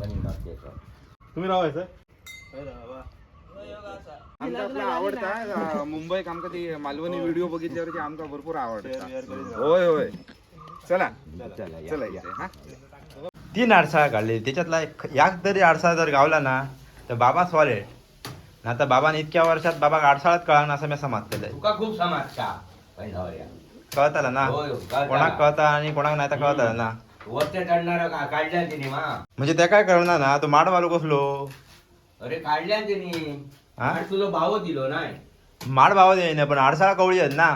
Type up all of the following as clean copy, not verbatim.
तुम्ही राहायचं आमचा आपला आवडता मुंबईत आमका ती मालवणी व्हिडिओ बघितल्यावर आमका भरपूर आवडतं. होय होय चला चला हा 3 आडसाळा काढले त्याच्यातला एक तरी आडसाळा जर गावला ना तर बाबा सॉलिड. आता बाबाने इतक्या वर्षात बाबा आडसाळात कळाना असं मी समाज केलंय. तुका खूप समजता कळताला ना कोणाक कळता आणि कोणाक नाही तर कळताला ना. वरच्या चढणार काढल्या तिने मा म्हणजे ते काय करणार ना तो माड मारू कसलो. अरे काढल्या तिने हा? तुला भाव दिलो नाही माड भाव देईन पण आडसाळा कवळी आहेत ना.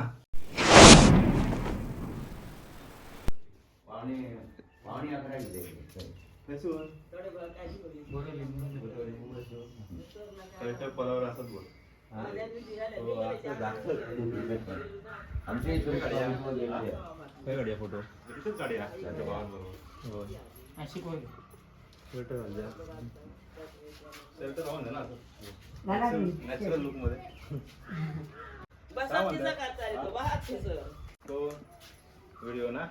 पावणे 11 दिले आमच्या इथून फोटो नॅचरल लुक मध्ये तो व्हिडिओ ना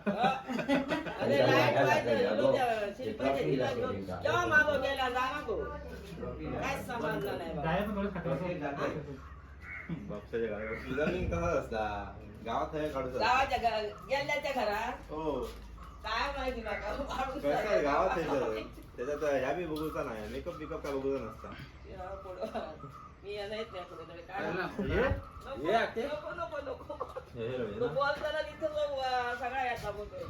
बापसाच्या गावात डिझायनिंग कसा असता गावात आहे काढू गेल्याच्या घरात हो काय माहिती कसं गावात आहे त्याच्यात ह्या बी बघूचा नाही मेकअप बिकअप काय बघूचा नसता मी येत नाही पुढे बोलताना तिथं सगळा याचा बोलतोय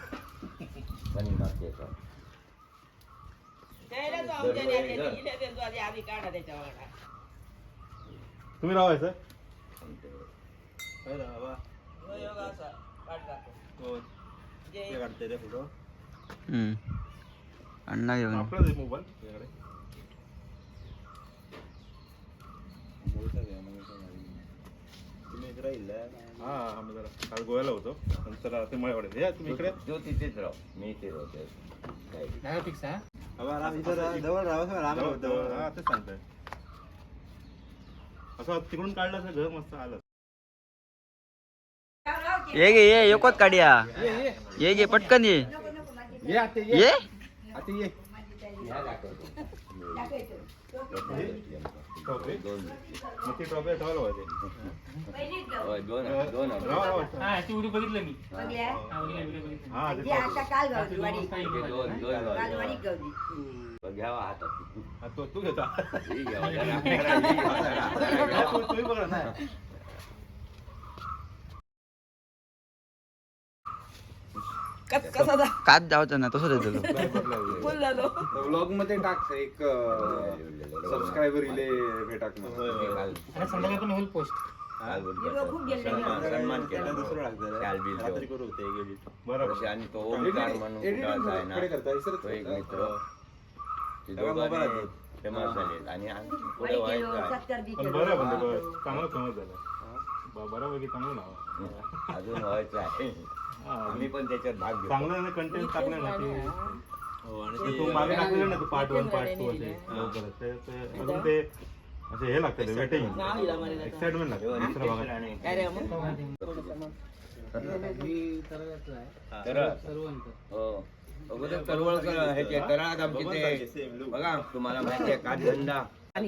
आधी काढा त्याच्यावर तुम्ही राहायचं काढते रे फोटो अण्णा घेऊन आपलाच मोबाईल तुझ्याकडे तुम्ही इकडे राहील हा आम्ही जरा काल गोव्याला होतो नंतर ते मळेवाडे या तुम्ही इकडे जो तिथेच राह मी ते राहते जवळ राहा तेच सांगतोय असं तिकडून काढलं असं घर मस्त आलं ये गे ये योकोत काढ्या ये गे पटकन ये ये बघितलं मी घ्यावा हातात तू घेता तुम्ही बघा ना काच जावचं ना तसं देतो ब्लॉग मध्ये टाक एक सबस्क्रायबर इले भेटाक संध्याकाळी पण होईल पोस्ट सन्मान केला दुसरं लागतं करू ते बरोबर आणि तो ओमकार म्हणून आहे ना तो एक मित्र ते दोघांनी फेमस झालेत आणि पुढे व्हायचं पण बरं म्हणजे चांगलं फेमस झालं बऱ्यापैकी चांगलं नाव अजून व्हायचं आहे आम्ही पण त्याच्यात भाग घेतो चांगलं कंटेंट टाकलं ना की हो आणि तू मागे टाकलेलं ना तू पार्ट 1 पार्ट 2 असे लवकरच ते अजून ते असे हे लागतं वेटिंग एक्साइटमेंट लागतं दुसऱ्या भागात तळवळकर ह्याचे तळात आमचे ते बघा तुम्हाला माहिती आहे काठधंदा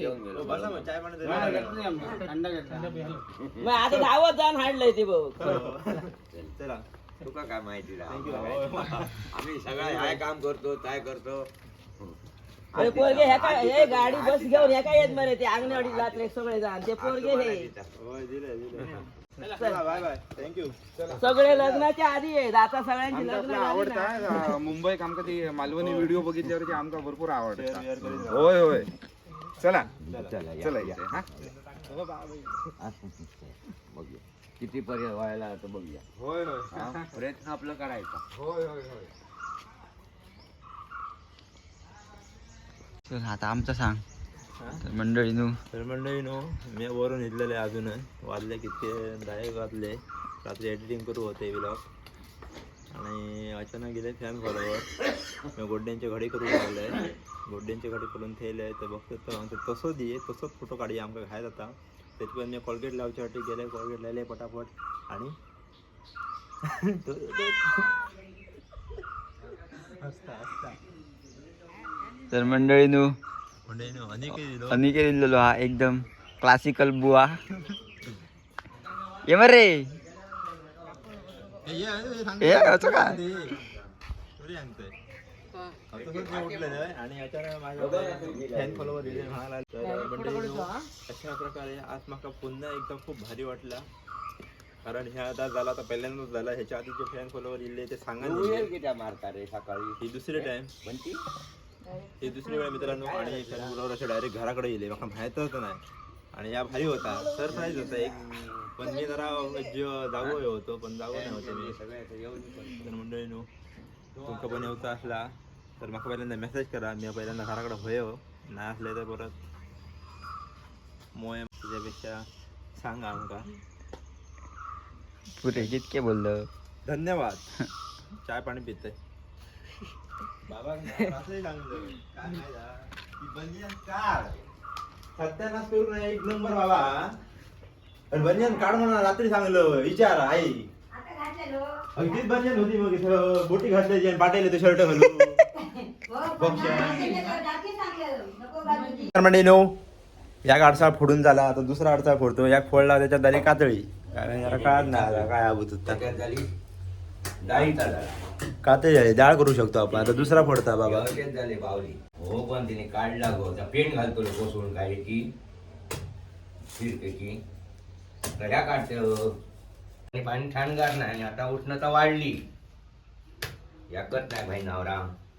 आता धावत जाण हाडलंय ते बघ चला तुका काय माहिती आम्ही सगळं काय काम करतो काय करतो पोरगे ह्या काय हे गाडी बस घेऊन ह्या काय येत मरे ते अंगणवाडी जातले सगळे जाण ते पोरगे हे बाय बाय थँक्यू सगळे लग्नाच्या आधी आहेत आता सगळ्यांची लग्न आवडता मुंबईत आमका ती मालवणी व्हिडिओ बघितल्यावर आमका भरपूर आवडतं. होय होय चला चला हा बघूया किती पर्याय व्हायला तर बघूया होय होय प्रयत्न आपलं करायचा होय होय होय चल आता आमचं सांग तर मंडळी मी वरून इथलेले अजून वाजले किती 10 वाजले रात्री एडिटिंग करू होते व्लॉग आणि अचानक गेले फॅन फॉलोवर मी गोड्ड्यांची घडी करू लागले गोड्ड्यांची घडी करून ठेवले तर बघतो तर आमचं तसंच दे तसंच फोटो काढी आमका खायला जाता त्याच्यावर मी कोलगेट लावच्यासाठी गेले कोलगेट लावले पटापट आणि हसता तर मंडळीनू दिलो अनिकेत दिलेलो हा एकदम क्लासिकल बुवा ये मरे ए असं का आणि अचानक माझ्या फॅन फॉलोवर म्हणाला तर अशा प्रकारे आज माका पुन्हा एकदम खूप भारी वाटला कारण ह्या आता झाला तर पहिल्यांदाच झाला ह्याच्या आधी जे फॅन फॉलोवर इले ते सांगा मारता रे सकाळी ही दुसरी टाइम म्हणती ही दुसरी वेळ मित्रांनो आणि फॅन फॉलोवर असे डायरेक्ट घराकडे येले मला माहीतच नाही आणि या भारी होता सरप्राईज होता एक पण मी जरा जागो होतो पण जागो नाही होते मी तर मंडळीनो तुमका पण येऊचा असला तर मला पहिल्यांदा मेसेज करा मी पहिल्यांदा घराकडे होय नाही असले तर परत मोय तुझ्यापेक्षा सांगा आमका पुरे कितके बोललं धन्यवाद चाय पाणी पिते बाबा असंही सांगलं काय माहिती ती बनियन काढ सत्यानाश करू नये एक नंबर बाबा आणि बनियन काढ म्हणा रात्री सांगलं विचार आई अगदीच बनियन होती मग इथं बोटी घातल्याची आणि पाटेल तो शर्ट घालू म्हणजे नो या अडसाळ फोडून झाला आता दुसरा अडसाळ फोडतो या फोडला त्याच्यात झाली कातळी कारण जरा काढ नाही काय आबूत होता झाली डाळीचा झाला कातळी झाली डाळ करू शकतो आपण आता दुसरा फोडता बाबा व्यवस्थित झाले बावली हो पण तिने काढला गो त्या पेन घालतो रे कोसळून काय की फिरकेची गड्या काढते आणि पाणी थंडगार नाही आणि आता उष्णता वाढली याकत नाही भाई नवरा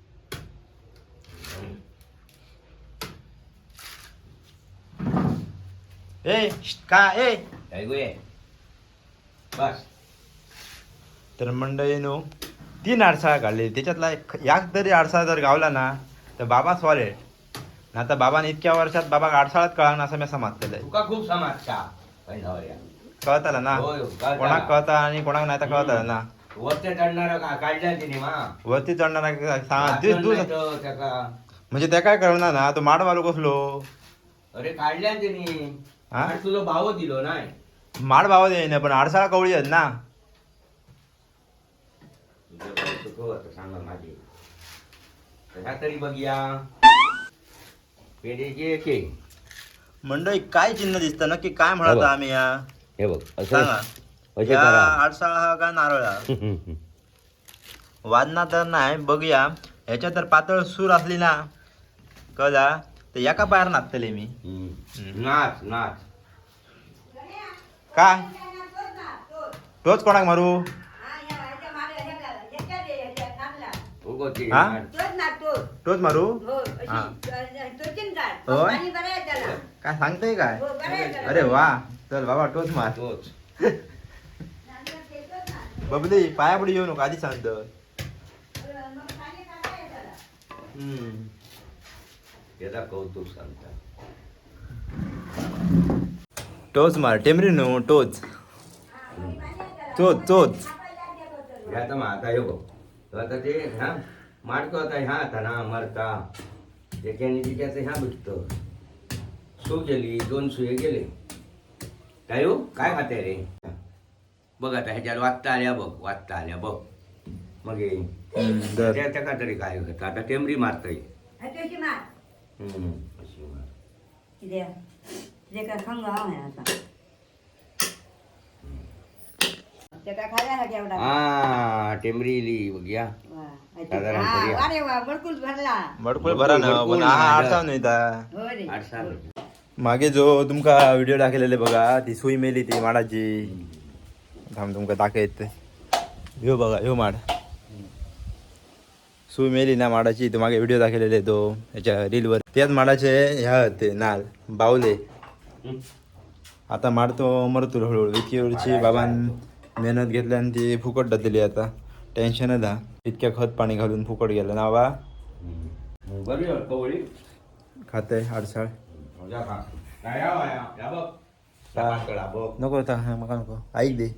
ए का ए काय गो बस तर मंडळीनो 3 अडसाळा काढले त्याच्यातला याक तरी अडसाळा जर गावला ना तर बाबा सॉलिड ना तर बाबाने इतक्या वर्षात बाबा अडसाळात कळाना असं मी समाज केलंय तुका खूप समाजचा भाई नवऱ्या कळताला ना होय, कळताला. कोणाक कळता आणि कोणाक नाही तर कळताला ना वरती चढणारा काढल्या तिने मा वरती चढणारा सांगा त्याका म्हणजे त्या काय करणार ना तो माड मारू कसलो अरे काढल्या तिने हा? आणि तुला भाव दिलो नाही माड भावा येईन पण अडसाळा कवळी आहेत ना तुझं भाऊ चुकव आता सांगा माझी कशा तरी बघूया पेढेचे एके मंडळी काय चिन्ह दिसतं नक्की काय म्हणत आम्ही या हे बघ सांगा असे या करा अडसाळा हा का नारळ हा? वादना तर नाही बघूया ह्याच्या तर पातळ सूर असली ना कळला तर एका पायावर नाचतले मी नाच नाच काय तोच कोणाक मारू उगवती हा? नाच. तोच मारू हा. होय? काय सांगताय काय अरे वा चल बाबा तोच मार तोच बबली पायापुढे येऊ नको आधी सांगतो त्याचा कौतुक सांगता टोच मार टेमरी नो टोच चोच चोच ह्या तर आता हे बघ तो आता ते ह्या माडको आता ह्या आता ना मरता त्याच्याने तिच्याचं ह्या भेटतं सू गेली 2 सुये गेले काय हो काय खाते रे बघ आता ह्याच्यात वाचता आल्या बघ मग हे दर त्याच्या का तरी काय होतं आता टेमरी मारतय अशी मार हा टेमरी इली बघूया साधारण मडकुळ भरा ना पण हा अडसाव नाही ता. आठसा मागे जो तुमका व्हिडिओ दाखवलेले बघा ती सुई मेली ती माडाची थांब तुमका दाखवत ह्यो बघा ह्यो माड सुई मेली ना माडाची तो मागे व्हिडिओ दाखवलेले तो ह्याच्या रीलवर त्याच माडाचे ह्या होते नाल बावले आता माड तो मरतो हळूहळू इतकी वर्षी बाबान मेहनत घेतली आणि ती फुकट दिली आता टेन्शनच हा इतक्या खत पाणी घालून फुकट गेलं ना बा बरोबर कवळी खाते अडसाळ नको होता मका नको ऐक दे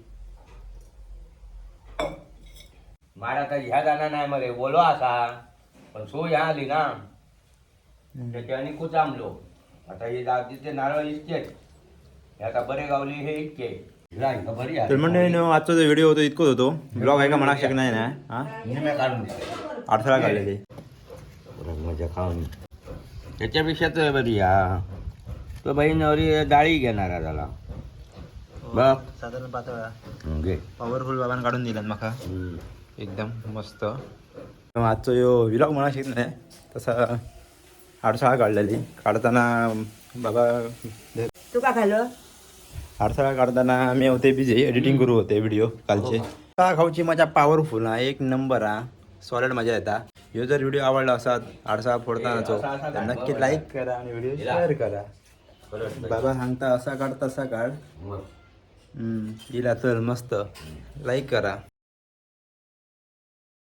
माड आता ह्या जाणार नाही मरे बोलो असा पण सो ह्या आली ना त्याच्याने कुचामलो आता हे जातीचे नारळ इतकेच हे आता बरे गावली हे इतके बरी तर म्हणजे आजचा जो व्हिडिओ होतो इतकंच होतो ब्लॉग आहे का म्हणा शकत नाही ना हा काढून अडथळा काढलेले मजा माझ्या खाऊन त्याच्यापेक्षा तर बरी हा तो बहीणवरी डाळी घेणारा झाला बघ साधारण पातळ घे पॉवरफुल बाबान काढून दिल्यात माका हम्म. एकदम मस्त आजचो यो विलॉग म्हणा शिकत नाही तसा आडसाळा काढलेली काढताना बाबा तू का खाल्लं आडसाळा काढताना मी होते बिझी एडिटिंग करू होते व्हिडिओ कालचे खाऊची मजा पॉवरफुल हा एक नंबर हा सॉलिड मजा येता ह्यो जर व्हिडिओ आवडला असाल आडसाळा फोडतानाचो तर नक्की लाईक करा आणि व्हिडिओ शेअर करा बाबा सांगता असा काढ तसा काढ मग इला चल मस्त लाईक करा